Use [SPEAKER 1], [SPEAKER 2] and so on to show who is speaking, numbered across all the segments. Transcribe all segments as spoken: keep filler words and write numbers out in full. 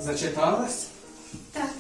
[SPEAKER 1] Зачиталась?
[SPEAKER 2] Так.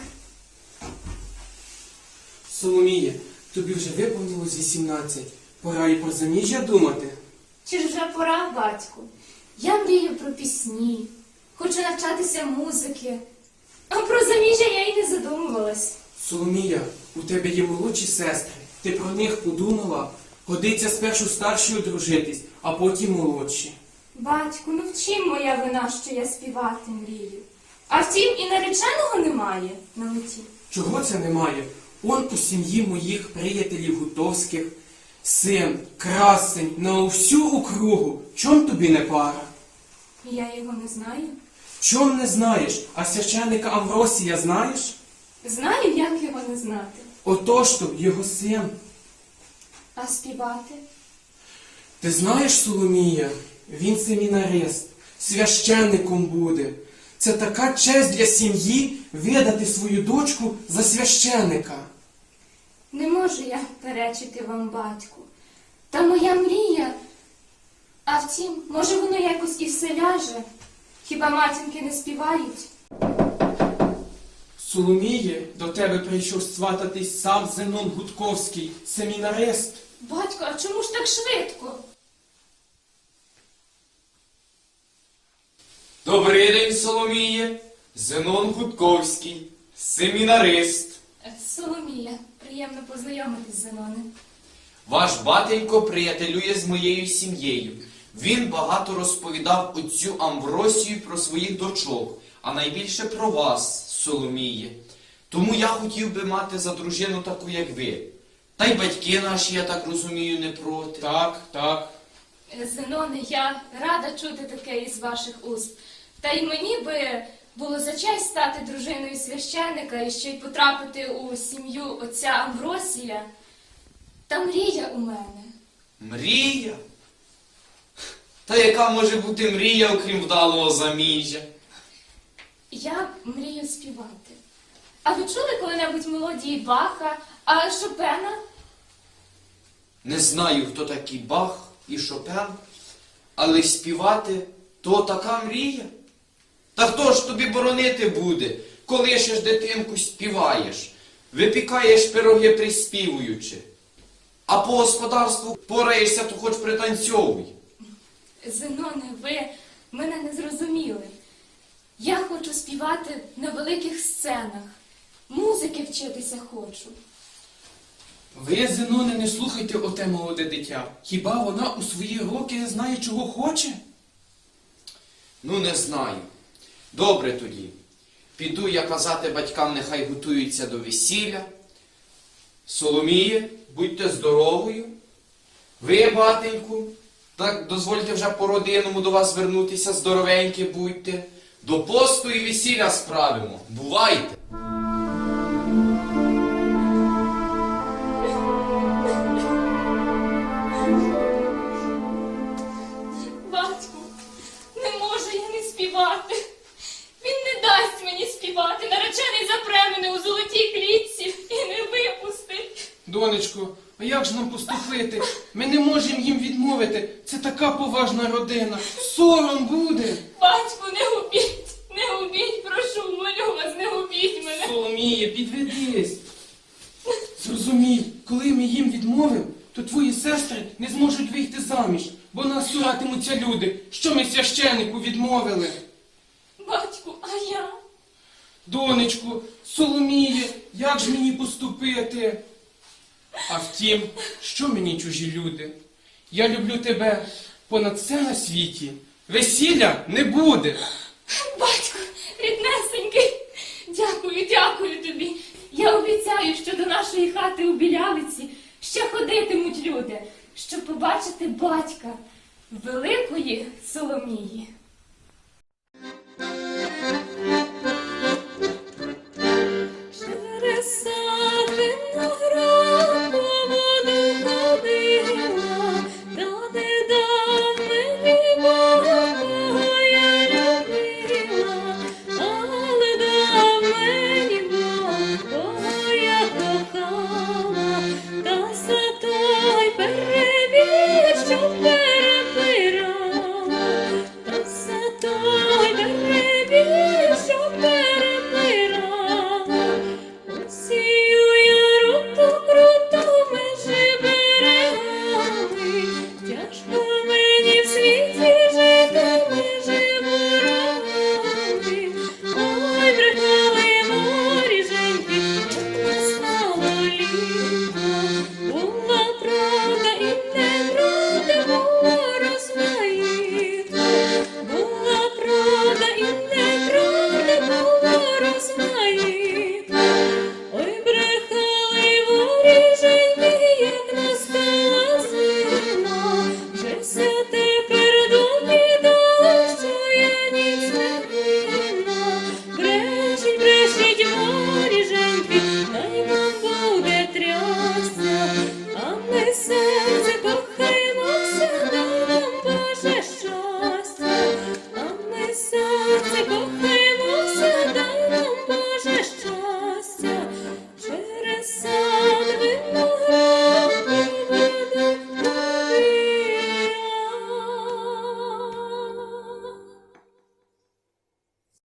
[SPEAKER 1] Соломіє, тобі вже виповнилось вісімнадцять. Пора і про заміжжя думати.
[SPEAKER 2] Чи ж вже пора, батьку? Я мрію про пісні, хочу навчатися музики. А про заміжжя я й не задумувалась.
[SPEAKER 1] Соломія, у тебе є молодші сестри. Ти про них подумала? Годиться спершу старшою дружитись, а потім молодші.
[SPEAKER 2] Батьку, ну в чим моя вина, що я співати мрію? А втім, і нареченого немає на меті.
[SPEAKER 1] Чого це немає? Он у сім'ї моїх приятелів гутовських син, красень, на всю округу. Чом тобі не пара?
[SPEAKER 2] Я його не знаю.
[SPEAKER 1] Чом не знаєш? А священника Амвросія знаєш?
[SPEAKER 2] Знаю, як його не знати.
[SPEAKER 1] Отож то його син.
[SPEAKER 2] А співати?
[SPEAKER 1] Ти знаєш, Соломія, він семінарист, священником буде. Це така честь для сім'ї видати свою дочку за священника.
[SPEAKER 2] Не можу я перечити вам, батьку. Та моя мрія. А втім, може воно якось і все ляже. Хіба матінки не співають?
[SPEAKER 1] Соломіє, до тебе прийшов свататись сам Зенон Гудковський, семінарист.
[SPEAKER 2] Батько, а чому ж так швидко?
[SPEAKER 3] Добрий день, Соломіє. Зенон Гудковський, семінарист.
[SPEAKER 2] Соломія, приємно познайомитись, Зеноне.
[SPEAKER 3] Ваш батенько приятелює з моєю сім'єю. Він багато розповідав отцю Амвросію про своїх дочок, а найбільше про вас, Соломіє. Тому я хотів би мати за дружину таку, як ви. Та й батьки наші, я так розумію, не проти.
[SPEAKER 1] Так, так.
[SPEAKER 2] Зеноне, я рада чути таке із ваших уст. Та й мені би було за честь стати дружиною священника і ще й потрапити у сім'ю отця Амвросія. Та мрія у мене.
[SPEAKER 3] Мрія? Та яка може бути мрія, окрім вдалого заміжжя?
[SPEAKER 2] Я мрію співати. А ви чули коли-небудь мелодії Баха, а Шопена?
[SPEAKER 3] Не знаю, хто такий Бах і Шопен, але співати – то така мрія. Та хто ж тобі боронити буде, коли ще ж дитинку співаєш, випікаєш пироги приспівуючи, а по господарству пораєшся, то хоч пританцьовуй.
[SPEAKER 2] Зеноне, ви мене не зрозуміли. Я хочу співати на великих сценах. Музики вчитися хочу.
[SPEAKER 1] Ви, Зеноне, не слухайте оте молоде дитя. Хіба вона у свої роки знає, чого хоче?
[SPEAKER 3] Ну, не знаю. Добре тоді. Піду я казати батькам, нехай готуються до весілля. Соломіє, будьте здоровою. Ви, батеньку, так дозвольте вже по-родинному до вас звернутися, здоровенькі будьте. До посту і весілля справимо. Бувайте!
[SPEAKER 2] Батьку, не можу я не співати. Він не дасть мені співати. Наречений запре мене у золотій клітці і не випустить.
[SPEAKER 1] Донечко, а як ж нам поступити? Ми не можемо їм відмовити. Це така поважна родина. Сором буде.
[SPEAKER 2] Батьку, не губіть, не губіть, прошу, молю вас, не губіть мене.
[SPEAKER 1] Соломіє, підведись. Зрозумій, коли ми їм відмовимо, то твої сестри не зможуть вийти заміж, бо нас суратимуться люди, що ми священнику відмовили.
[SPEAKER 2] Батьку, а я?
[SPEAKER 1] Донечку, Соломіє, як ж мені поступити? А втім, що мені чужі люди? Я люблю тебе понад все на світі. Весілля не буде.
[SPEAKER 2] Батьку, ріднесенький, дякую, дякую тобі. Я обіцяю, що до нашої хати у Білявиці ще ходитимуть люди, щоб побачити батька великої Соломії.